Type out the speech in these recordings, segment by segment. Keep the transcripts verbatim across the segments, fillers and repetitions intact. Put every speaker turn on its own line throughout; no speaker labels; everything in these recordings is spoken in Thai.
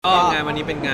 ก็งานวันนี้เป็นงาน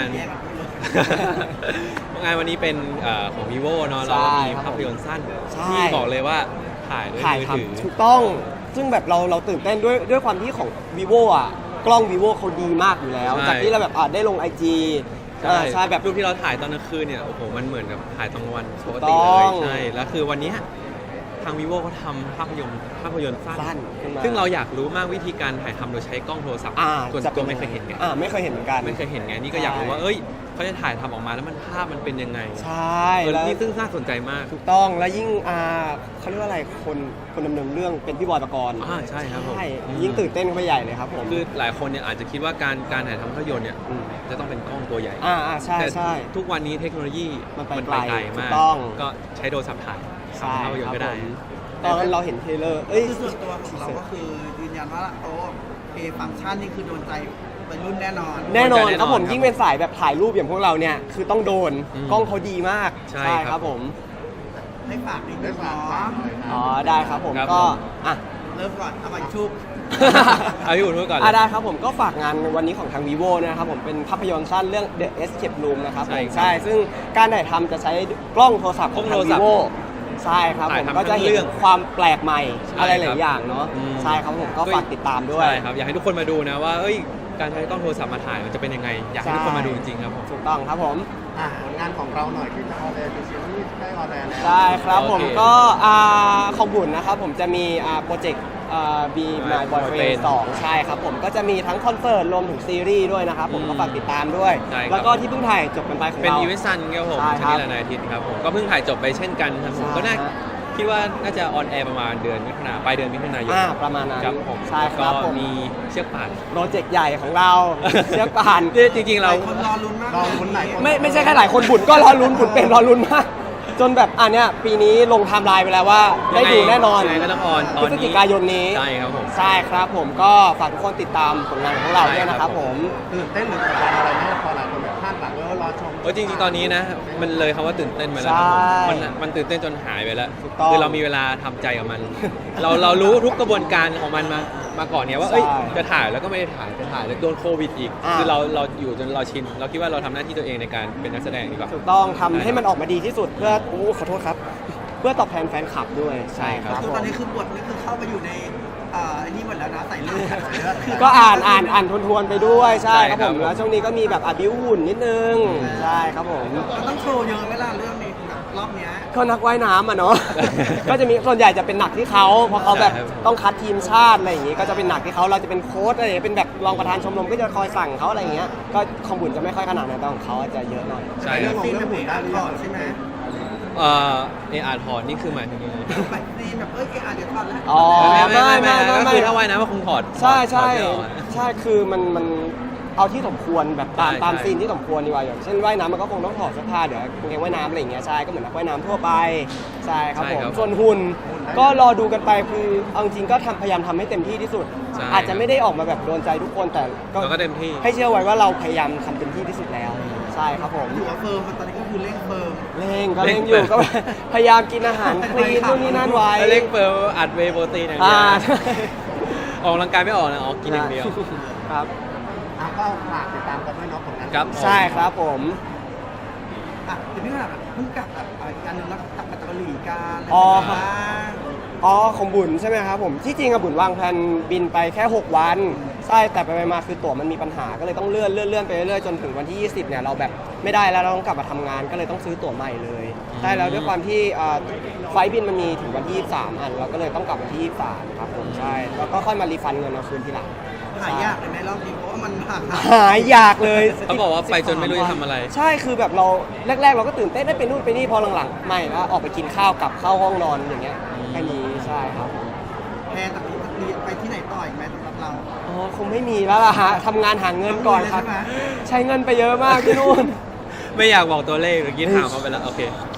งานวันนี้เป็นของ vivo เนาะเรามีภาพยนตร์สั้นที่บอกเลยว่าถ่ายด้วยมือถือ
ถูกต้องซึ่งแบบเราเราตื่นเต้นด้วยด้วยความที่ของ vivo อ่ะกล้อง vivo เขาดีมากอยู่แล้วจากที่เราแบบอ่ะได้ลง ไอ จี
ใช่แบบรูปที่เราถ่ายตอนกลางคืนเนี่ยโอ้โหมันเหมือนกับถ่ายตอนกลางวันปกติเลยใช่แล้วคือวันนี้ทาง vivo เขาทำภาพยนตร์ภาพยนตร์สั้นซึ่งเราอยากรู้มากวิธีการถ่ายทำโดยใช้กล้องโทรศัพท์ส่วนตัวไม่เคยเห็นไง
ไม่เคยเห็นเหมือนกัน
ไม่เคยเห็นไงนี่ก็อยากรู้ว่าเอ้ยเขาจะถ่ายทำออกมาแล้วมันภาพมันเป็นยังไง
ใช่
แล้วนี่ซึ่งน่าสนใจมาก
ถูกต้องแล้วยิ่งอ่าเขาเรียกว่าอะไรคนคนดำเนินเรื่องเป็นพี่บอยปกรณ์
อ่าใช่ครับผม
ยิ่งตื่นเต้นเข้าไปใหญ่เลยครับผม
คือหลายคนเนี่ยอาจจะคิดว่าการการถ่ายทำภาพยนตร์เนี่ยจะต้องเป็นกล้องตัวใหญ่
อ่าใช่ใช่
ทุกวันนี้เทคโนโลยี
มันไปไกล
มากก็ใช้โทรศัพท์ถ่ายทำภาพยนตร์ก็ได้
ตอนนั้นเราเห็นเทเลอร์เอ้ย
ส่วนตัวของเราก็คือยืนยันว่าโอ้เพย์ฟังก์ชันนี่คือโดนใจวัยรุ่นแน่นอน
แน่นอนครับผมยิ่งเป็นสายแบบถ่ายรูปอย่างพวกเราเนี่ยคือต้องโดนกล้องเขาดีมาก
ใช่ครับ
ผม
ให้ฝากนิดนึงเนาะ
อ๋อได้ครับผมก็อ่ะ
เริ่มก่อนเอาไปชุบ
เอาพี่อุ่นพูดก่อน
อ่ะได้ครับผมก็ฝากงานวันนี้ของทาง vivo นะครับผมเป็นภาพยนตร์สั้นเรื่อง The Escape Room นะครับผมใช่ซึ่งการถ่ายทำจะใช้กล้องโทรศัพท์ของทาง vivoใช่ครับผมก็จะเห็นความแปลกใหม่อะไรหลายอย่างเนาะใช่ครับผมก็ฝากติดตามด้วย
ใช่ครับอยากให้ทุกคนมาดูนะว่าเอ้ยการใช้กล้องโทรศัพท์มาถ่ายมันจะเป็นยังไงอยากให้ทุกคนมาดูจริงๆครับผม
ถูกต้องครับผม
ผลงานของเราหน่อยที่จะออนแอร์เป็นซีรีส์ได้ออนแอร์แล้ว
ได้ครับผมก็ของบุญนะครับผมจะมีโปรเจกต์บี My Boyfriend สองใช่ครับผมก็จะมีทั้งคอนเสิร์ตรวมถึงซีรีส์ด้วยนะครับผมก็ฝากติดตามด้วยแล้วก็ที่เพิ่งถ่ายจบกันไปของเรา
เป็นอีเวนต์ซันครับผมชนิดละนายอาทิตย์ครับผมก็เพิ่งถ่ายจบไปเช่นกันครับผมก็น่าคิดว่าน่าจะออนแอร์ประมาณเดือนมิถุนายนปลายเดือนมิถุนายน
ประมาณนั้น
ครับผม
ใช่ครับผม
มีเชือกป่าน
โปรเจกต์ใหญ่ของเราเชือกป่าน
จริงๆเรา
คนรอลุ้นมากรอลุ้นไหน
ไม่ไม่ใช่แค่หลายคนบุญก็รอลุ้นบุญเป็นรอลุ้นมากจนแบบอันเนี้ยปีนี้ลงไทม์ไลน์ไปแล้วว่าได้ดูแน่นอน
ก็ต้องออน
พฤศจิกายนนี้
ใช่ครับผม
ใช่ครับผมก็ฝากทุกคนติดตามผลงานของเราด้วยนะครับผม
ตื่นเต้นหรือกดดันอะไรไหมพอหลายคนแบบคาดหวังว่ารอชม
เออจริงๆตอนนี้นะมันเลยคำว่าตื่นเต้นไปแล้วมันมันตื่นเต้นจนหายไปแล้วคือเรามีเวลาทำใจกับมันเราเรารู้ทุกกระบวนการของมันมามาก่อนเนี่ยว่าเอ้ยจะถ่ายแล้วก็ไม่ได้ถ่ายจะถ่ายแล้วโดนโควิดอีกคือเราเราอยู่จนเราชินเราคิดว่าเราทำหน้าที่ตัวเองในการเป็นนักแสดงดีกว่า
ถูกต้องทำให้มันออกมาดีที่สุดเพื่อโอ้ขอโทษครับเพื่อตอบแทนแฟนคลับด้วย
ใช่ครับ
ตอนนี้คือบทนี่คือเข้าไปอยู่ในอันนี้หมดแล้วนะใส่เลือด
ก็อ่านอ่านอ่านทวนๆไปด้วยใช่ครับผมแล้วช่วงนี้ก็มีแบบอบิวหุ่นนิดนึงใช่ครับผม
ต้องโชว์เยอะไหมล่ะเรื่องนี้รอบนี้
ก็นักว่ายน้ำอ่ะเนาะก็จะมีส่วนใหญ่จะเป็นหนักที่เขาเพราะเขาแบบต้องคัดทีมชาติอะไรอย่างงี้ก็จะเป็นหนักที่เขาเราจะเป็นโค้ชอะไรเป็นแบบรองประธานชมรมก็จะคอยสั่งเขาอะไรอย่างเงี้ยก็คอมบุญจะไม่ค่อยขนาดนั้นแต่ของเขาจะเยอะหน่อย
ใช่
เรื่องซีนแบบหุ่นได้ก่อนใช่ไหม
เออเออาร์ถอดนี่คือหมายถึงยังไง
แบบซีนแบบเอ้ยเออาร์เดี๋ยวถอดแล้ว
อ๋อไม่ไม่ไม่
ก็คือถ้าว่ายน้ำก็คงถอด
ใช่ใช่ใช่คือมันมันเอาที่สมควรแบบตามตามซีนที่สมควรดีกว่าอย่างเช่นว่ายน้ำมันก็คงต้องถอดเสื้อผ้าเดี๋ยวคงแข่งว่ายน้ำอะไรอย่างเงี้ยใช่ก็เหมือนนักว่ายน้ำทั่วไปใช่ครับผมส่วนหุ่นก็รอดูกันไปคือเอาจริงก็ทำพยายามทำให้เต็มที่ที่สุดอาจจะไม่ได้ออกมาแบบโดนใจทุกคนแต่
ก็เต็มที่
ให้เชื่อไว้ว่าเราพยายามทำเต็มที่ที่สุดแล้วใช่ครับผม
อยู่กับเฟิร์มตอนนี้ก็คือเร่งเฟิร์ม
เร่งก็เร่งอยู่ก็พยายามกินอาหารคลีนนู่นนี่นั่นไว้
เร่งเฟิร์มอัดเวย์โปรตีนอย่างเดียวออกกำลังกายไม่ออกนะออกกินอย่างเดียว
ครับ
ก็ฝากติดตามกันด้วยเนาะผลงาน
ครับ
ใช่ครับผม
อ่ะเดี๋ยวพี่ว่าแบบเพิ่งกลับแบบการนึงแล้วกลับมาจากเกาหลีกัน
อ๋ออ๋อของบุญใช่ไหมครับผมที่จริงอะบุญวางแผนบินไปแค่หกวันใช่แต่ไปมาคือตั๋วมันมีปัญหาก็เลยต้องเลื่อนเลื่อนเลื่อนไปเรื่อยจนถึงวันที่ยี่สิบเนี่ยเราแบบไม่ได้แล้วเราต้องกลับมาทำงานก็เลยต้องซื้อตั๋วใหม่เลยใช่แล้วด้วยความที่ไฟล์บินมันมีถึงวันที่ยี่สิบสามอันเราก็เลยต้องกลับวันที่ยี่สิบสามครับผมใช่แล้วก็ค่อยมารีฟันเงินเอาคืนทีหลัง
หายากเลยไหมรอบนี้เพราะว่ามัน
หายยากเลย
เขาบอกว่าไปจนไม่รู้จะทำอะไร
ใช่คือแบบเราแรกๆเราก็ตื่นเต้นได้ไปนู่นไปนี่พอหลังๆไม่แล้วออกไปกินข้าวกลับเข้าห้องนอนอย่างเงี้ยแค่นี้ใช่ครับ
แพนแต่ไปที่ไหนต่ออีกไหมสำหรับเรา
อ๋อคงไม่มีแล้วล่ะฮะทำงานหาเงินก่อนครับใช้เงินไปเยอะมากที่นู่น
ไม่อยากบอกตัวเลขเมื่อกี้ถามเขาไปแล้วโอเค